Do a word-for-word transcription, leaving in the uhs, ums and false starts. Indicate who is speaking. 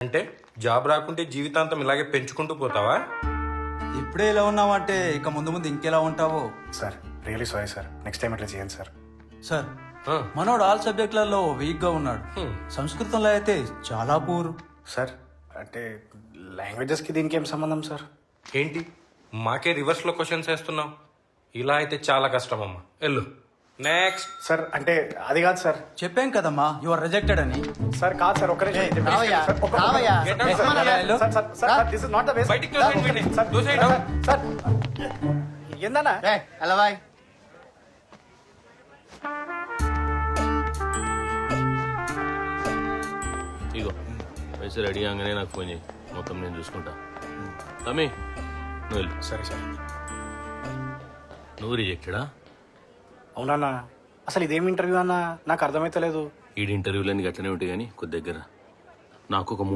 Speaker 1: అంటే జాబ్ రాకుంటే జీవితాంతం ఇలాగే పెంచుకుంటూ పోతావా?
Speaker 2: ఇప్పుడే ఇలా ఉన్నావంటే ఇక ముందు ముందు ఇంకెలా ఉంటావో.
Speaker 3: Sir really sorry sir, next time ఇట్లా చేయండి సార్.
Speaker 2: సార్
Speaker 1: ఆ,
Speaker 2: మనోడు ఆల్ సబ్జెక్టులలో వీక్ గా ఉన్నాడు.
Speaker 1: హ్మ్.
Speaker 2: సంస్కృతంలో అయితే చాలా పూర్.
Speaker 3: సార్ అంటే లాంగ్వేజెస్కి దీనికి ఏం సంబంధం సార్?
Speaker 1: ఏంటి మాకే రివర్స్లో క్వశ్చన్స్ వేస్తున్నావు? ఇలా అయితే చాలా కష్టం అమ్మా. వెళ్ళు నెక్స్ట్.
Speaker 3: సార్ అంటే అది కాదు సార్.
Speaker 2: చెప్పాం కదమ్మా యు ఆర్ రిజెక్టెడ్ అని.
Speaker 3: సార్ కాదు సార్, ఒక్క నిమిషం.
Speaker 4: రావయ్యా,
Speaker 3: సార్, ఒక్క-
Speaker 4: రావయ్యా.
Speaker 1: Get out,
Speaker 3: sir,
Speaker 1: sir.
Speaker 2: వెళ్ళు.
Speaker 3: Sir, sir, sir, sir, this is not the way, sir.
Speaker 1: బయటికి తోసేయండి వీడిని.
Speaker 3: సార్,
Speaker 1: తోసేయండి.
Speaker 3: సార్, ఏందన్నా?
Speaker 4: ఏయ్, ఎలా బాయ్?
Speaker 5: ఇగో పైసలు రెడీ కాగానే నాకు ఫోన్ చేయి, మొత్తం నేను చూసుకుంటా. తమ్మి నువ్వు వెళ్ళు.
Speaker 3: సరే సార్.
Speaker 5: నువ్వు రిజెక్టెడా?
Speaker 3: అవునన్నా, అసలు ఇదేం ఇంటర్వ్యూ అన్నా నాకు అర్థమైతలేదు.
Speaker 5: ఈ ఇంటర్వ్యూలన్నీ గట్లనే ఉంటాయి కానీ కొద్ది దగ్గర నాకు ఒక